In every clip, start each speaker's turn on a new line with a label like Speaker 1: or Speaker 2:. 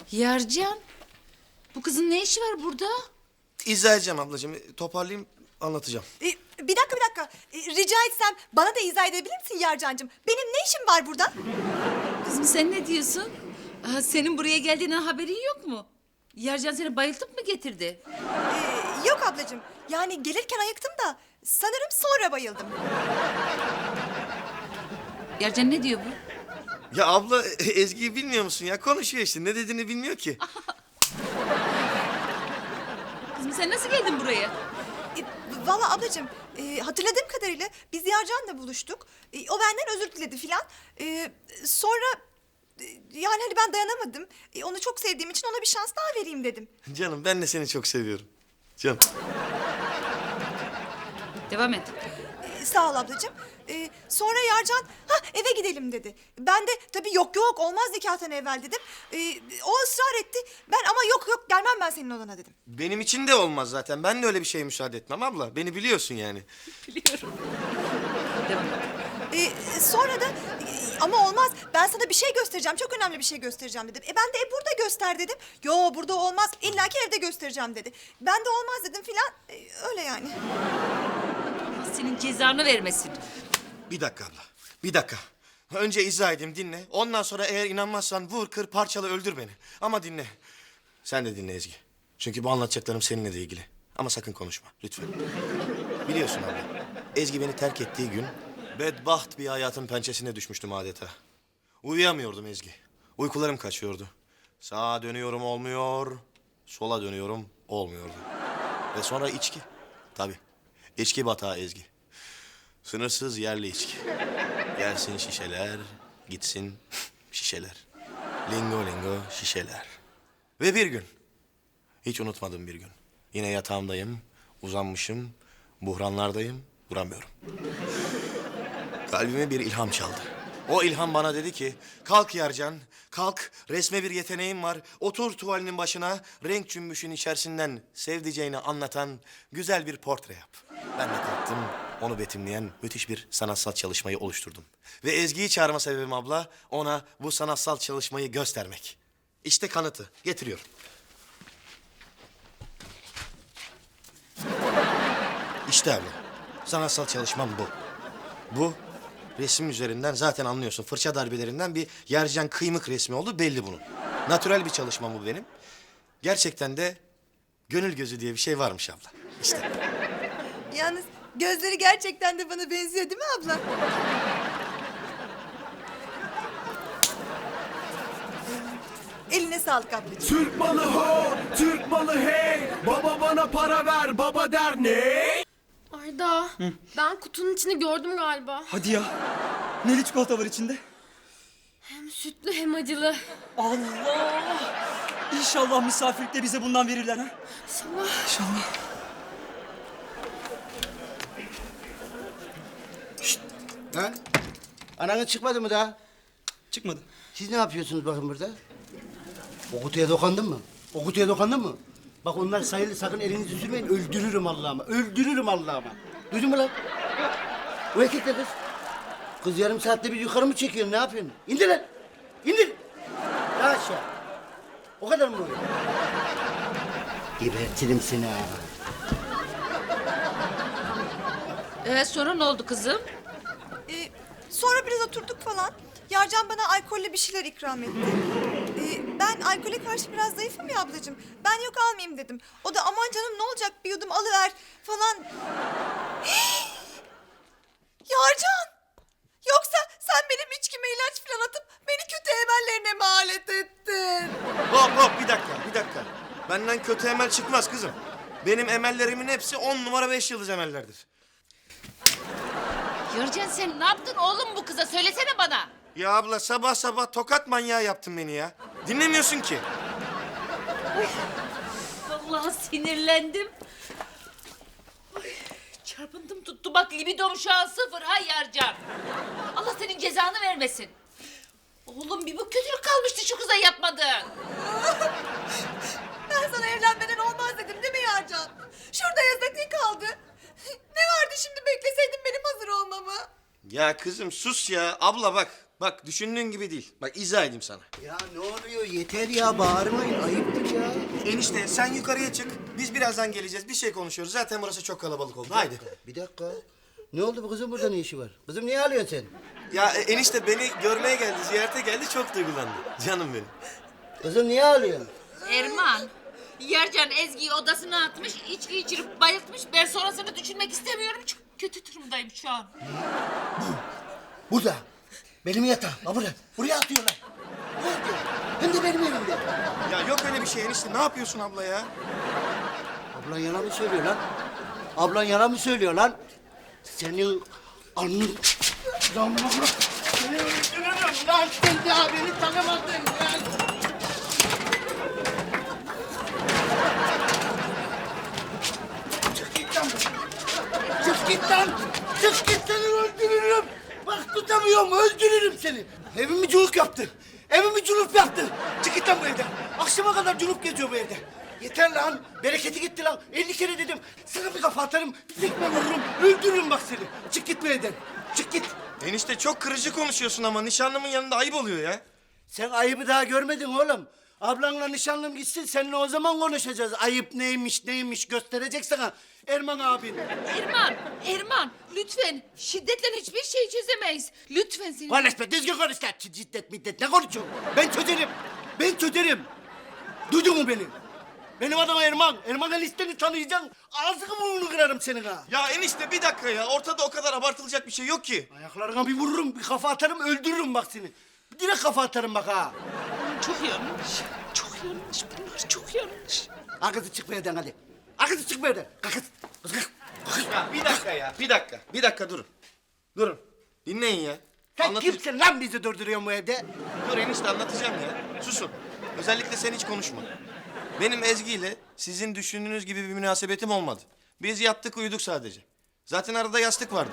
Speaker 1: Yarcan, bu kızın ne işi var burada?
Speaker 2: İzah edeceğim ablacığım. Toparlayayım, anlatacağım.
Speaker 3: Bir dakika. Rica etsem bana da izah edebilir misin Yarcancığım? Benim ne işim var burada?
Speaker 1: Kızım sen ne diyorsun? Senin buraya geldiğinden haberin yok mu? Yarcan seni bayıltıp mı getirdi?
Speaker 3: Yok ablacığım. Yani gelirken ayıktım da sanırım sonra bayıldım.
Speaker 1: Yarcan ne diyor bu?
Speaker 2: Ya abla Ezgi'yi bilmiyor musun ya? Konuşuyor işte. Ne dediğini bilmiyor ki.
Speaker 1: Kızım sen nasıl geldin buraya?
Speaker 3: Vallahi ablacığım hatırladığım kadarıyla biz Yarcan'la buluştuk. O benden özür diledi filan. Sonra yani hani ben dayanamadım. Onu çok sevdiğim için ona bir şans daha vereyim dedim.
Speaker 2: Canım ben de seni çok seviyorum. Canım.
Speaker 1: Devam et.
Speaker 3: Sağ ol ablacığım. Sonra Yarcan eve gidelim dedi. Ben de tabii yok olmaz nikahtan evvel dedim. O ısrar etti. Ben ama yok gelmem ben senin odana dedim.
Speaker 2: Benim için de olmaz zaten. Ben de öyle bir şeye müsaade etmem abla. Beni biliyorsun yani.
Speaker 1: Biliyorum. Devam et.
Speaker 3: Sonra da ama olmaz ben sana bir şey göstereceğim. Çok önemli bir şey göstereceğim dedim. Ben de burada göster dedim. Yo burada olmaz. İlla ki evde göstereceğim dedi. Ben de olmaz dedim filan. Öyle yani.
Speaker 1: Allah senin cezanı vermesin.
Speaker 2: Bir dakika abla. Bir dakika. Önce izah edeyim, dinle. Ondan sonra eğer inanmazsan vur, kır, parçala, öldür beni. Ama dinle. Sen de dinle Ezgi. Çünkü bu anlatacaklarım seninle de ilgili. Ama sakın konuşma, lütfen. Biliyorsun abla, Ezgi beni terk ettiği gün bedbaht bir hayatın pençesine düşmüştüm adeta. Uyuyamıyordum Ezgi. Uykularım kaçıyordu. Sağa dönüyorum olmuyor, sola dönüyorum olmuyordu. Ve sonra içki. Tabii, içki batağı Ezgi. Sınırsız yerli içki. Gelsin şişeler, gitsin şişeler. Lingo lingo şişeler. Ve bir gün, hiç unutmadım bir gün. Yine yatağımdayım, uzanmışım, buhranlardayım, duramıyorum. Kalbime bir ilham çaldı. O ilham bana dedi ki, kalk Yarcan, kalk, resme bir yeteneğin var. Otur tuvalinin başına, renk cümbüşün içerisinden sevdiceğini anlatan güzel bir portre yap. Ben de kalktım, onu betimleyen müthiş bir sanatsal çalışmayı oluşturdum. Ve Ezgi'yi çağırma sebebim abla, ona bu sanatsal çalışmayı göstermek. İşte kanıtı, getiriyorum. İşte abla, sanatsal çalışmam bu. Bu, resim üzerinden zaten anlıyorsun. Fırça darbelerinden bir Yarcan kıymık resmi oldu, belli bunun. Natürel bir çalışmam bu benim. Gerçekten de gönül gözü diye bir şey varmış abla. İşte.
Speaker 3: Yalnız gözleri gerçekten de bana benziyor değil mi abla? Eline sağlık ablacığım.
Speaker 4: Türk malı ho, Türk malı hey. Baba bana para ver, baba der ne?
Speaker 5: Arda, ben kutunun içini gördüm galiba.
Speaker 6: Hadi ya. Neli çikolata var içinde?
Speaker 5: Hem sütlü hem acılı.
Speaker 6: Allah! İnşallah misafirlikte bize bundan verirler ha.
Speaker 5: İnşallah.
Speaker 6: İnşallah.
Speaker 7: Ha? Ananın çıkmadı mı daha?
Speaker 6: Çıkmadı.
Speaker 7: Siz ne yapıyorsunuz bakın burada? O kutuya dokandın mı? O kutuya dokandın mı? Bak onlar sayılı, sakın elinizi sürmeyin. Öldürürüm Allah'ıma. Öldürürüm Allah'ıma. Duydun mu lan? O erkek de kız. Kız yarım saatte bir yukarı mı çekiyorsun? Ne yapıyorsun? İndir lan. İndir. Daha aşağı. O kadar mı oluyor? Gebertirim seni ha.
Speaker 1: Sonra ne oldu kızım?
Speaker 3: Sonra biraz oturduk falan. Yarcan bana alkollü bir şeyler ikram etti. Ben alkole karşı biraz zayıfım ya ablacığım. Ben yok almayayım dedim. O da aman canım ne olacak bir yudum alıver falan. Yarcan! Yoksa sen benim içkime ilaç falan atıp beni kötü emellerine mi alet ettin?
Speaker 2: Hop bir dakika. Benden kötü emel çıkmaz kızım. Benim emellerimin hepsi 10 numara 5 yıldız emellerdir.
Speaker 1: Yarcan sen ne yaptın oğlum bu kıza? Söylesene bana.
Speaker 2: Ya abla sabah sabah tokat manyağı yaptın beni ya. Dinlemiyorsun ki.
Speaker 1: Vallahi sinirlendim. Ay, çarpıntım tuttu bak libidom şu an 0 ha Yarcan. Allah senin cezanı vermesin. Oğlum bir bu kötülük kalmıştı şu kıza yapmadın.
Speaker 3: Ben sana evlenmeden olmaz dedim değil mi Yarcan? Şurada yasak ne kaldı? Ne vardı şimdi bekleseydin benim hazır olmamı?
Speaker 2: Ya kızım sus ya. Abla bak Bak düşündüğün gibi değil. Bak izah edeyim sana.
Speaker 7: Ya ne oluyor? Yeter ya, bağırmayın. Ayıptır ya.
Speaker 2: Enişte sen yukarıya çık. Biz birazdan geleceğiz. Bir şey konuşuyoruz. Zaten burası çok kalabalık oldu. Haydi.
Speaker 7: Bir dakika. Ne oldu bu kızın, burada ne işi var? Kızım niye ağlıyorsun sen?
Speaker 2: Ya enişte beni görmeye geldi, ziyarete geldi. Çok duygulandı. Canım benim.
Speaker 7: Kızım niye ağlıyorsun?
Speaker 1: Erman, Yarcan Ezgi'yi odasına atmış, içki içirip bayıltmış. Ben sonrasını düşünmek istemiyorum. Çok kötü durumdayım şu an.
Speaker 7: Burada. Benim yatağım. Ha burada. Buraya atıyorlar. Buraya atıyorlar. Hem de benim evimde.
Speaker 2: Ya yok öyle bir şey enişte. Ne yapıyorsun abla ya?
Speaker 7: Ablan yalan mı söylüyor lan? Ablan yalan mı söylüyor lan? Senin alnın... Lan bırak. Seni öldürürüm lan. Sen daha beni tanımadın lan. Çık git lan. Çık git lan. Çık git, seni öldürürüm. Bak tutamıyorum, öldürürüm seni. Evimi culuk yaptı. Evimi culuk yaptı. Çık git lan bu evden. Akşama kadar culuk geziyor bu evde. Yeter lan. Bereketi gitti lan. 50 kere dedim. Sana bir kafa atarım. Bir tekme vururum. Öldürürüm bak seni. Çık git bu evden. Çık git.
Speaker 2: Enişte çok kırıcı konuşuyorsun ama nişanlımın yanında ayıp oluyor ya.
Speaker 7: Sen ayıbı daha görmedin oğlum. Ablanla nişanlım gitsin, seninle o zaman konuşacağız. Ayıp neymiş gösterecek sana Erman abin.
Speaker 1: Erman, lütfen. Şiddetle hiçbir şey çözemeyiz. Lütfen seni.
Speaker 7: Konuş be, düzgün konuş lan. Ciddet middet ne konuşuyorsun? Ben çözerim. Ben çözerim. Duydun mu beni? Benim adım Erman. Erman'ın listeni tanıyacaksın. Ağzını burnunu kırarım senin ha.
Speaker 2: Ya enişte bir dakika ya. Ortada o kadar abartılacak bir şey yok ki.
Speaker 7: Ayaklarına bir vururum, bir kafa atarım, öldürürüm bak seni. Direkt kafa atarım bak ha.
Speaker 1: Çok yanlış. Çok yanlış bunlar. Çok yanlış.
Speaker 7: Arkası çık bu evden hadi. Arkası çık bu evden. Kalk kız. Kız kalk. Kalk.
Speaker 2: Ya bir dakika ya. Bir dakika durun. Durun. Dinleyin ya.
Speaker 7: Sen kimsin lan bizi durduruyorsun bu evde?
Speaker 2: Dur enişte anlatacağım ya. Susun. Özellikle sen hiç konuşma. Benim Ezgi ile sizin düşündüğünüz gibi bir münasebetim olmadı. Biz yattık uyuduk sadece. Zaten arada yastık vardı.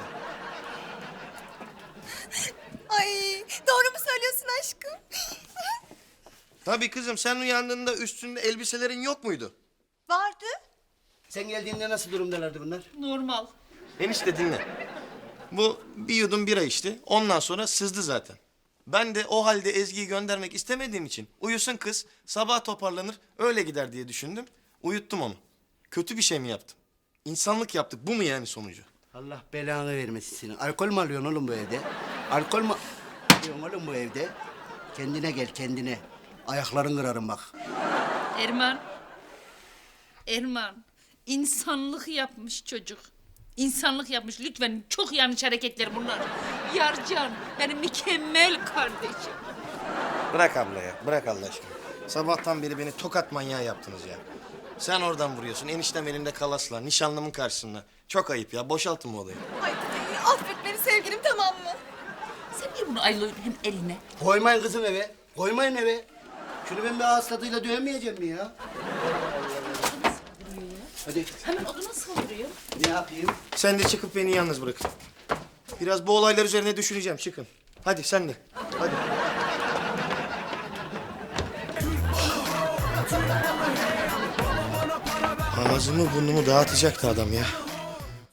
Speaker 3: Ay doğru mu söylüyorsun aşkım?
Speaker 2: Tabii kızım sen uyandığında üstünde elbiselerin yok muydu?
Speaker 3: Vardı.
Speaker 7: Sen geldiğinde nasıl durumdalardı bunlar?
Speaker 1: Normal.
Speaker 2: Enişte dinle. Bu bir yudum bira içti. Ondan sonra sızdı zaten. Ben de o halde Ezgi'yi göndermek istemediğim için uyusun kız, sabah toparlanır, öyle gider diye düşündüm. Uyuttum onu. Kötü bir şey mi yaptım? İnsanlık yaptık. Bu mu yani sonucu?
Speaker 7: Allah belanı vermesin seni. Alkol mü alıyorsun oğlum bu evde? Alkol mü alıyorsun oğlum bu evde? Kendine gel, kendine. Ayakların kırarım bak.
Speaker 1: Erman, insanlık yapmış çocuk. İnsanlık yapmış. Lütfen çok yanlış hareketler bunlar. Yarcan, benim mükemmel kardeşim.
Speaker 2: Bırak abla ya. Bırak Allah aşkına. Sabahtan beri beni tokat manyağı yaptınız ya. Sen oradan vuruyorsun. Eniştem elimde kalasla. Nişanlımın karşısında. Çok ayıp ya. Boşaltın bu odayı.
Speaker 3: Ay affet beni sevgilim, tamam mı?
Speaker 1: Sen niye bunu ayılıyorsun eline?
Speaker 7: Koymayın kızım eve. Koymayın eve. Şunu ben bir ağız tadıyla dövmeyeceğim mi ya? Hadi
Speaker 1: Hemen oduna saldırıyor.
Speaker 7: ne yapayım?
Speaker 2: Sen de çıkıp beni yalnız bırakın. Biraz bu olaylar üzerine düşüneceğim. Çıkın. Hadi sen de. Hadi. Ağzımı burnumu dağıtacaktı adam ya.